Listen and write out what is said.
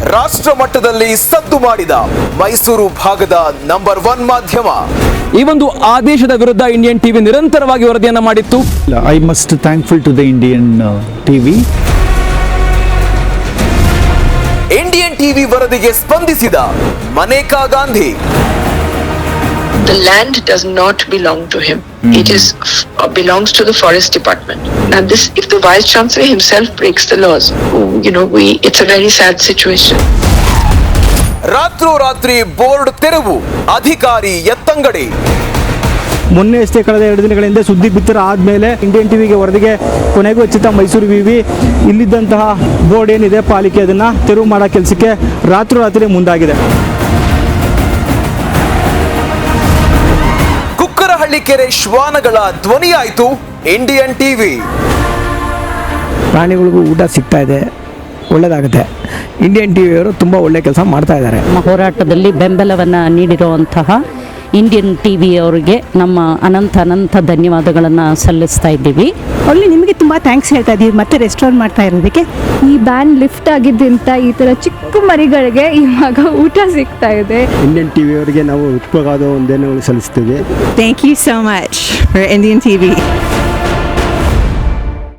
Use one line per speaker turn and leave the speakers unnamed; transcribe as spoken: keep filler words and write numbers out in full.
ರಾಷ್ಟ್ರ ಮಟ್ಟದಲ್ಲಿ ಸದ್ದು ಮಾಡಿದ ಮೈಸೂರು ಭಾಗದ ನಂಬರ್ ಒನ್ ಮಾಧ್ಯಮ.
ಈ ಒಂದು ಆದೇಶದ ವಿರುದ್ಧ ಇಂಡಿಯನ್ ಟಿವಿ ನಿರಂತರವಾಗಿ ವರದಿಯನ್ನ ಮಾಡಿತ್ತು.
I must thankful to the Indian TV.
Indian TV ವರದಿಗೆ ಸ್ಪಂದಿಸಿದ Maneka Gandhi.
The land does not belong to him. Mm-hmm. It is uh, belongs to the forest department. Now this, if the vice chancellor himself breaks the laws, you know, we it's a very sad situation.
ರಾತ್ರೋ ರಾತ್ರಿ board ತೆರವು, ಅಧಿಕಾರಿ ಎತ್ತಂಗಡಿ.
ಮೊನ್ನೆ ಅಷ್ಟೇ ಕಳೆದ ಎರಡು ದಿನಗಳ ಹಿಂದೆ ಸುದ್ದಿ ಬಿತ್ತರ ಆದಮೇಲೆ ಇಂಡಿಯನ್ ಟಿವಿಗೆ ವರದಿಗೆ ಕೊನೆಗೂ ಹೆಚ್ಚಿತ ಮೈಸೂರು ವಿವಿ ಇಲ್ಲಿದ್ದಂತಹ ಬೋರ್ಡ್ ಏನಿದೆ ಪಾಲಿಕೆ ಅದನ್ನು ತೆರವು ಮಾಡೋ ಕೆಲಸಕ್ಕೆ ರಾತ್ರೋರಾತ್ರಿ ಮುಂದಾಗಿದೆ.
ಕುಕ್ಕರಹಳ್ಳಿ ಕೆರೆ ಶ್ವಾನಗಳ ಧ್ವನಿಯಾಯಿತು ಇಂಡಿಯನ್ ಟಿವಿ.
ಪ್ರಾಣಿಗಳಿಗೂ ಊಟ ಸಿಗ್ತಾ ಇದೆ, ಒಳ್ಳೆಯದಾಗುತ್ತೆ. ಇಂಡಿಯನ್ ಟಿವಿಯವರು ತುಂಬ ಒಳ್ಳೆ ಕೆಲಸ ಮಾಡ್ತಾ ಇದ್ದಾರೆ.
ನಮ್ಮ ಹೋರಾಟದಲ್ಲಿ ಬೆಂಬಲವನ್ನು ನೀಡಿರುವಂತಹ ಇಂಡಿಯನ್ ಟಿವಿ ಅವರಿಗೆ ನಮ್ಮ ಅನಂತ ಅನಂತ ಧನ್ಯವಾದಗಳನ್ನು ಸಲ್ಲಿಸ್ತಾ ಇದ್ದೀವಿ.
ಒಳ್ಳೆ ನಿಮಗೆ ತುಂಬ ಥ್ಯಾಂಕ್ಸ್ ಹೇಳ್ತಾ ಇದ್ದೀವಿ ಮತ್ತೆ ರೆಸ್ಟೋರ್ ಮಾಡ್ತಾ ಇರೋದಕ್ಕೆ.
ಈ ಬ್ಯಾನ್ ಲಿಫ್ಟ್ ಆಗಿದ್ದರಿಂದ ಈ ಥರ ಚಿಕ್ಕ ಮರಿಗಳಿಗೆ ಇವಾಗ ಊಟ ಸಿಗ್ತಾ ಇದೆ.
ಇಂಡಿಯನ್ ಟಿವಿ ಅವರಿಗೆ ನಾವು ಉಪಯೋಗವಾದ ಒಂದೇನು ಸಲ್ಲಿಸ್ತೀವಿ.
Thank you so much for Indian TV.